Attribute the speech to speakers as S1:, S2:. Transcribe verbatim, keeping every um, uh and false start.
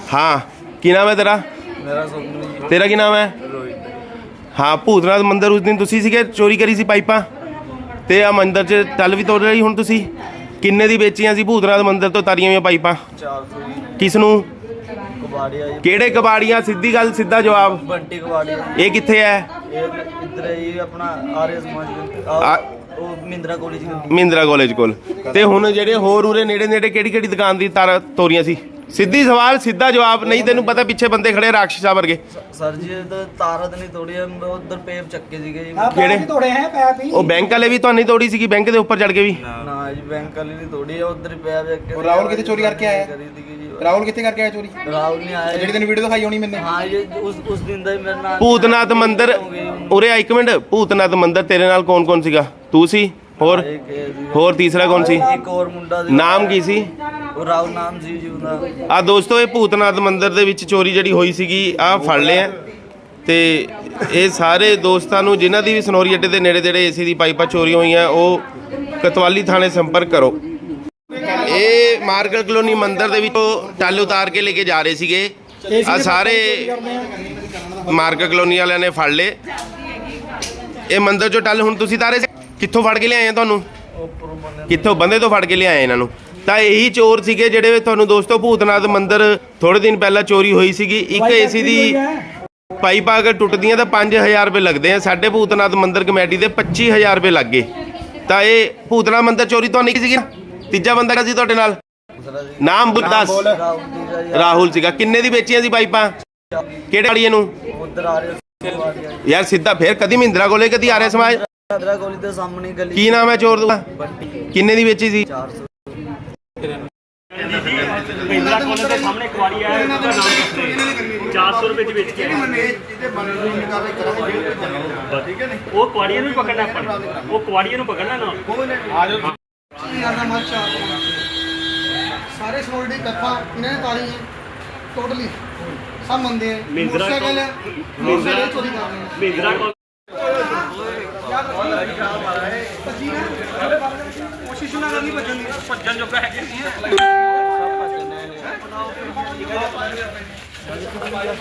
S1: हाँ की नाम है तेरा?
S2: मेरा स्वप्न।
S1: तेरा की नाम है?
S2: रोहित।
S1: हाँ भूतनाथ मंदिर उस दिन तुसी सीगे चोरी करी सी पाइपां ते आ मंदिर च टल भी तोड़ रही हुण तुसी किन्ने दी बेचियां सी भूतनाथ मंदिर तो तारियां हुई पाइपां?
S2: चार सौ जी।
S1: किस नूं?
S2: कबाड़िया जी।
S1: किहड़े कबाड़ियां? सीधी गल सीधा जवाब।
S2: बंटी कबाड़िया।
S1: ये कित्थे है?
S2: ये इधर है ये अपना आर्य समाज के
S1: आ-
S2: आ- वो महिंद्रा कॉलेज के।
S1: महिंद्रा कॉलेज कोल ते हुण जेहड़े होर उरे नेड़े नेड़े किहड़ी किहड़ी दुकान दी तार तोरियां सी? सीधी सवाल सीधा जवाब, नहीं तेनू पता पिछे बंदे खड़े राक्षसा वर्गे।
S2: सर जी तो तारा तो नहीं तोड़ी है, उधर पेप चक्के सीगे जी।
S1: ਕਿਹੜੇ
S3: ਤੋੜੇ ਹੈ ਪੈਪ ਹੀ
S1: ਉਹ ਬੈਂਕ ਵਾਲੇ ਵੀ ਤੁਹਾਨੂੰ ਤੋੜੀ ਸੀਗੀ ਬੈਂਕ ਦੇ ਉੱਪਰ ਚੜ ਕੇ ਵੀ?
S2: ना जी बैंक वाली नहीं तोड़ी है, उधर ही पेप चक्के।
S3: और राहुल कितने चोरी करके आया?
S2: करी थी जी।
S3: ਰਾਹੁਲ ਕਿੱਥੇ ਕਰਕੇ ਆਇਆ ਚੋਰੀ?
S2: राहुल नहीं आया
S3: ਜਿਹੜੀ ਤੈਨੂੰ ਵੀਡੀਓ ਦਿਖਾਈ ਹੋਣੀ ਮੈਨੇ।
S2: हाँ ये उस उस दिन ਦਾ ਹੀ ਮੇਰੇ ਨਾਲ
S1: ਭੂਤਨਾਥ ਮੰਦਿਰ ਉਰੇ ਆ ਇੱਕ ਮਿੰਟ। ਭੂਤਨਾਥ ਮੰਦਿਰ ਤੇਰੇ ਨਾਲ ਕੌਣ ਕੌਣ ਸੀਗਾ? ਤੂੰ ਸੀ ਹੋਰ
S2: एक है जी।
S1: ਹੋਰ ਤੀਸਰਾ ਕੌਣ ਸੀ?
S2: एक और मुंडा ਸੀ।
S1: ਨਾਮ ਕੀ ਸੀ?
S2: ਉਹ ਰਾਹੁਲ ਨਾਮ ਸੀ ਜੀ ਉਹਦਾ।
S1: ਆ ਦੋਸਤੋ ਇਹ ਭੂਤਨਾਥ ਮੰਦਿਰ ਦੇ ਵਿੱਚ ਚੋਰੀ ਜਿਹੜੀ ਹੋਈ ਸੀਗੀ ਆ ਫੜ ਲਿਆ ਤੇ ਇਹ ਸਾਰੇ ਦੋਸਤਾਂ ਨੂੰ ਜਿਨ੍ਹਾਂ ਦੀ ਵੀ ਸਨੌਰੀ ਅੱਡੇ ਦੇ ਨੇੜੇ ਤੇੜੇ ਏਸੀ ਦੀ ਪਾਈਪਾਂ ਚੋਰੀ ਹੋਈਆਂ ਉਹ ਕਤਵਾਲੀ ਥਾਣੇ ਸੰਪਰਕ ਕਰੋ। ਇਹ ਮਾਰਕਲ ਕਲੋਨੀ ਮੰਦਿਰ ਦੇ ਵਿੱਚੋਂ ਟੱਲ ਉਤਾਰ ਕੇ ਲੈ ਕੇ ਜਾ ਰਹੇ ਸੀਗੇ ਆ ਸਾਰੇ ਮਾਰਕਲ ਕਲੋਨੀ ਵਾਲਿਆਂ ਨੇ ਫੜ ਲਏ ਇਹ ਮੰਦਿਰ ਚੋਂ ਟੱਲ। ਹੁਣ ਤੁਸੀਂ ਤਾਰੇ ਕਿੱਥੋਂ ਫੜ ਕੇ ਲਿਆਏ ਆ? ਤੁਹਾਨੂੰ ਕਿੱਥੋਂ ਬੰਦੇ ਤੋਂ ਫੜ ਕੇ ਲਿਆਏ ਇਹਨਾਂ ਨੂੰ? ਤਾਂ ਇਹੀ ਚੋਰ ਸੀਗੇ ਜਿਹੜੇ ਤੁਹਾਨੂੰ ਦੋਸਤੋ ਭੂਤਨਾਥ ਮੰਦਿਰ ਥੋੜੇ ਦਿਨ ਪਹਿਲਾਂ ਚੋਰੀ ਹੋਈ ਸੀਗੀ। ਇੱਕ ਏਸੀ ਦੀ ਪਾਈਪਾਂ ਅਗਰ ਟੁੱਟਦੀਆਂ ਤਾਂ ਪੰਜ ਹਜ਼ਾਰ ਰੁਪਏ ਲੱਗਦੇ ਆ। ਸਾਡੇ ਭੂਤਨਾਥ ਮੰਦਿਰ ਕਮੇਟੀ ਦੇ ਪੱਚੀ ਹਜ਼ਾਰ ਰੁਪਏ ਲੱਗ ਗਏ। ਤਾਂ ਇਹ ਭੂਤਨਾਥ ਮੰਦਿਰ ਚੋਰੀ ਤੋਂ ਨਹੀਂ ਸੀਗੀ। ਤੀਜਾ ਬੰਦਾ ਸੀ ਤੁਹਾਡੇ ਨਾਲ, ਨਾਮ ਦੱਸ। ਰਾਹੁਲ ਸੀਗਾ। ਕਿੰਨੇ ਦੀ ਵੇਚੀਆਂ ਸੀ ਪਾਈਪਾਂ? ਕਿਹੜੇ ਵਾਲੀਏ ਨੂੰ?
S2: ਉਧਰ ਆ ਰਹੇ
S1: ਯਾਰ ਸਿੱਧਾ ਫੇਰ ਕਦੀ ਮਹਿੰਦਰਾ ਕੋਲੇ ਕਦੀ ਆਰਿਆ ਸਮਾਜ।
S2: ਮਹਿੰਦਰਾ ਕਾਲਜ ਦੇ ਸਾਹਮਣੇ ਗਲੀ।
S1: ਕੀ ਨਾਮ ਹੈ ਚੋਰ ਦਾ? ਕਿੰਨੇ ਦੀ ਵੇਚੀ ਸੀ?
S2: ਚਾਰ ਸੌ।
S4: महिंद्रा कॉलेज के सामने कुआरी है, उसका नाम किसने चार सौ रुपए की बेच के वो कुआरिया भी पकड़ना है, वो कुआरिया पकड़ना ना।
S3: ਸਾਰੇ ਸਨੋਰੀ ਦੀ ਕੱਥਾ ਇਹਨਾਂ ਨੇ ਤਾਰੀ ਹੈ ਟੋਟਲੀ ਸਭ ਮੰਦੇ ਹੈ।
S4: महिंद्रा
S3: ਮੋਟਰਸਾਈਕਲ ਹੈ, ਮੋਟਰਸਾਈਕਲ ਚੋਰੀ ਕਰ ਰਹੇ ਹੈ।
S4: महिंद्रा कॉलेज
S3: ਕੋਸ਼ਿਸ਼ ਨਾ ਕਰਨੀ ਭੱਜਣ ਦੀ।
S4: ਭੱਜਣ ਜੋਗਾ ਹੈਗੇ ਨਹੀਂ।